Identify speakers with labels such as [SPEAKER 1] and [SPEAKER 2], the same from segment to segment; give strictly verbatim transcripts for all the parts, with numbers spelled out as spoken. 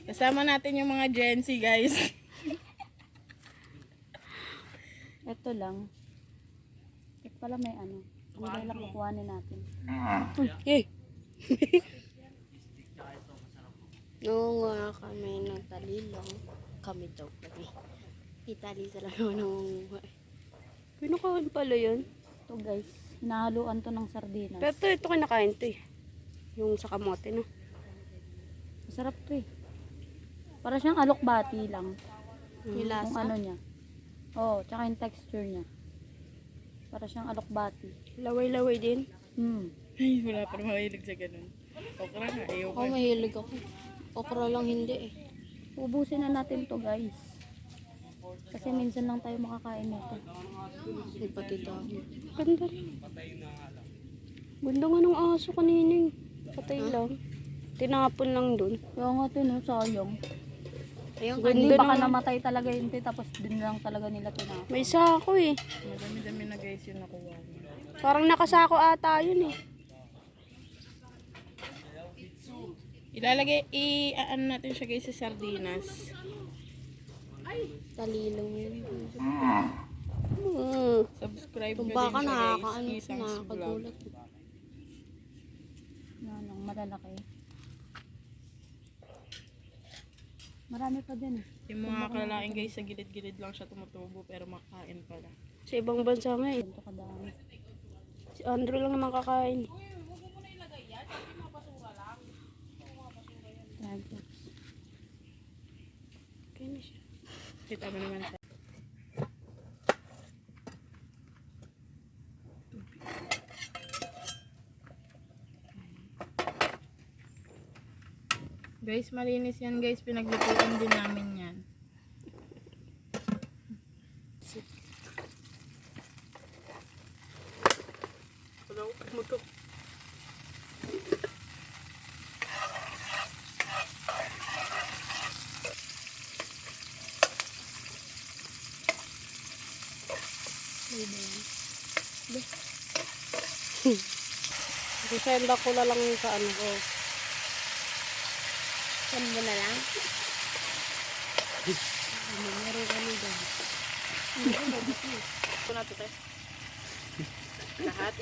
[SPEAKER 1] Kasama natin yung mga Gen Z, guys.
[SPEAKER 2] Ito lang. Ito pala may ano. Hindi lang kukuhanin natin.
[SPEAKER 3] Eh. Noong uh, kami nagtalilong, kami daw kami. Itali sa lang nung pinakain pala yun.
[SPEAKER 2] Ito guys, hinahaluan to ng sardinas.
[SPEAKER 3] Pero ito, ito kinakain to eh. Yung sa kamote, no?
[SPEAKER 2] Masarap to eh. Para siyang alokbati lang.
[SPEAKER 3] May
[SPEAKER 2] Yung
[SPEAKER 3] lasa.
[SPEAKER 2] ano niya. Oo, oh, tsaka yung texture niya. Para siyang alokbati.
[SPEAKER 3] Laway-laway din.
[SPEAKER 2] Hmm.
[SPEAKER 1] Ay, wala pa naman mahilig sa ganun. Okra na, ayaw
[SPEAKER 3] Ako
[SPEAKER 1] ko.
[SPEAKER 3] mahilig ako. Okra lang hindi eh.
[SPEAKER 2] Ubusin na natin to guys. Kasi minsan lang tayo makakain nito.
[SPEAKER 3] May pati dami. Ganda rin. Ganda nga ng aso kanina eh. Patay lang. Tinapon lang dun.
[SPEAKER 2] Kaya nga ito, no, sayang.
[SPEAKER 3] Ayun,
[SPEAKER 2] Hindi
[SPEAKER 3] ganda
[SPEAKER 2] baka
[SPEAKER 3] naman.
[SPEAKER 2] namatay talaga yun, te, tapos din lang talaga nila tinapon.
[SPEAKER 3] May sako eh.
[SPEAKER 1] Madami-dami na guys yung nakuha mo.
[SPEAKER 3] Parang nakasako ata yun eh.
[SPEAKER 1] Ilalagay, i-ano natin siya guys sa sardinas.
[SPEAKER 3] Talilong yun. Mm.
[SPEAKER 1] Subscribe
[SPEAKER 3] Kung
[SPEAKER 1] nyo
[SPEAKER 3] baka
[SPEAKER 1] din siya guys.
[SPEAKER 3] nakakaano,
[SPEAKER 1] Isang vlog.
[SPEAKER 3] nakakagulat.
[SPEAKER 2] Yan, ang malalaki. Marami pa din eh.
[SPEAKER 1] Yung mga kalalain guys, sa gilid-gilid lang siya tumutubo pero makain pala.
[SPEAKER 3] Sa ibang bansa nga eh.
[SPEAKER 2] Ganito kadami.
[SPEAKER 3] Si Andrew lang naman kakain.
[SPEAKER 2] Yan, guys.
[SPEAKER 3] Kaya na siya.
[SPEAKER 1] Kita mo naman siya. Guys, malinis yan guys. Pinaglutuan din namin yan. Wala ko mo to.
[SPEAKER 3] Sisenda ko na lang sa ano ko. Send mo na lang? Meron kami dyan.
[SPEAKER 1] Ito na to tayo. Lahat.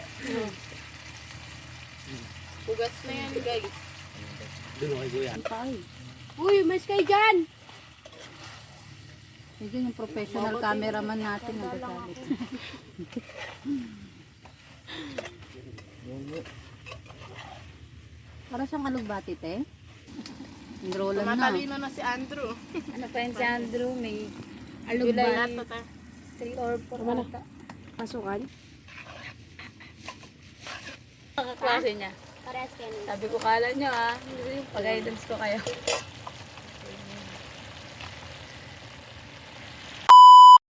[SPEAKER 1] Hugas na yan guys.
[SPEAKER 2] Ang tayo.
[SPEAKER 3] Uy, mas kayo dyan!
[SPEAKER 2] Yun yung professional cameraman natin nagagalit. Para siyang alugbati, te. Enrollan na.
[SPEAKER 1] Matalino na si Andrew.
[SPEAKER 2] Ano pa yun si Andrew? May
[SPEAKER 1] Lahat to tayo.
[SPEAKER 2] three or four ata.
[SPEAKER 3] Pasukan?
[SPEAKER 2] Ang klase niya.
[SPEAKER 3] Parehas kayo.
[SPEAKER 2] Sabi ko, kala nyo ah. Pag-guidance ko kayo.